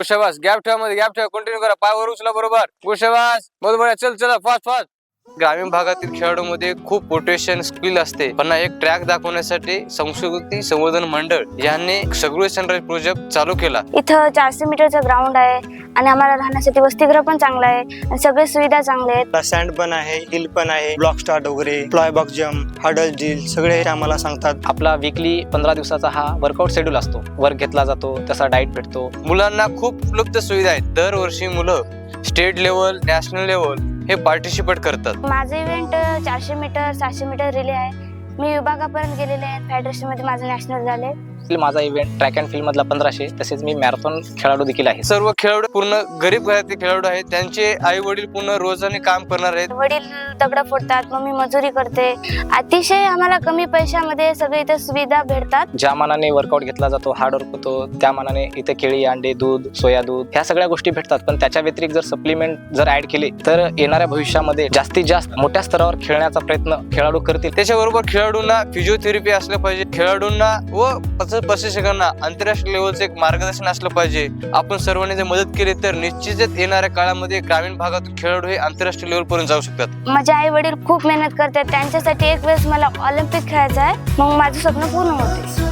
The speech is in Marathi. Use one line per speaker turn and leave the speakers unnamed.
शाबास, गॅप ठेवा मध्ये, गॅप ठेवा, कंटिन्यू करा, पाय वर उचला बरोबर. शाबास, बहुत बढिया, चल चला फास्ट फास्ट. ग्रामीण भागातील खेळाडूंमध्ये खूप पोटेन्शियल स्किल असते, पण एक ट्रॅक दाखवण्यासाठी संस्कृती संवर्धन मंडळ यांनी सगळे सनराइज प्रोजेक्ट चालू केला.
इथं 400 मीटरचं ग्राउंड आहे आणि आम्हाला राहण्यासाठी वसतिगृह पण चांगलं आहे आणि सगळे सुविधा चांगल्या आहेत.
सँड पण आहे, हिल पण आहे, ब्लॉक स्टार्ट वगैरे, fly box jump, hurdle drill सगळे आम्हाला सांगतात.
आपला वीकली 15 दिवसाचा हा वर्कआउट शेड्यूल असतो. वर्क घेतला जातो, तसा डाएट भेटतो.
मुलांना खूप उपलब्ध सुविधा आहेत. दरवर्षी मुलं स्टेट लेवल, नॅशनल लेवल हे पार्टिसिपेट करतात.
माझं इव्हेंट 400 मीटर 700 मीटर रिले आहे. मी विभागापर्यंत गेलेले आहे. फेडरेशन मध्ये माझं नॅशनल झाले.
माझा इव्हेंट ट्रॅक अँड फील्ड मधला 1500, तसेच मी मॅरेथॉन खेळाडू देखील आहे.
सर्व खेळाडू पूर्ण गरीब घरातील खेळाडू आहेत. त्यांचे आई वडील पूर्ण रोजाने काम करणार आहेत.
वडील दगड फोडतात, मम्मी मजुरी करते. अतिशय आम्हाला कमी पैशामध्ये सगळे इथे सुविधा भेटतात.
ज्या मानाने वर्कआउट घेतला जातो, हार्ड वर्क होतो, त्या मानाने इथे केळी, अंडे, दूध, सोया दूध ह्या सगळ्या गोष्टी भेटतात. पण त्याच्या व्यतिरिक्त जर सप्लिमेंट जर ऍड केले तर येणाऱ्या भविष्यामध्ये जास्तीत जास्त मोठ्या स्तरावर खेळण्याचा प्रयत्न खेळाडू करतील.
त्याच्याबरोबर खेळाडूंना फिजिओथेरपी असलं पाहिजे. खेळाडूंना व प्रशिक्षकांना आंतरराष्ट्रीय लेवलचं एक मार्गदर्शन असलं पाहिजे. आपण सर्वांनी जर मदत केली तर निश्चितच येणाऱ्या काळामध्ये ग्रामीण भागातून खेळाडू हे आंतरराष्ट्रीय लेवल पर्यंत जाऊ शकतात.
माझे आई वडील खूप मेहनत करतात. त्यांच्यासाठी एक वेळेस मला ऑलिम्पिक खेळायचं आहे. मग माझं स्वप्न पूर्ण होते.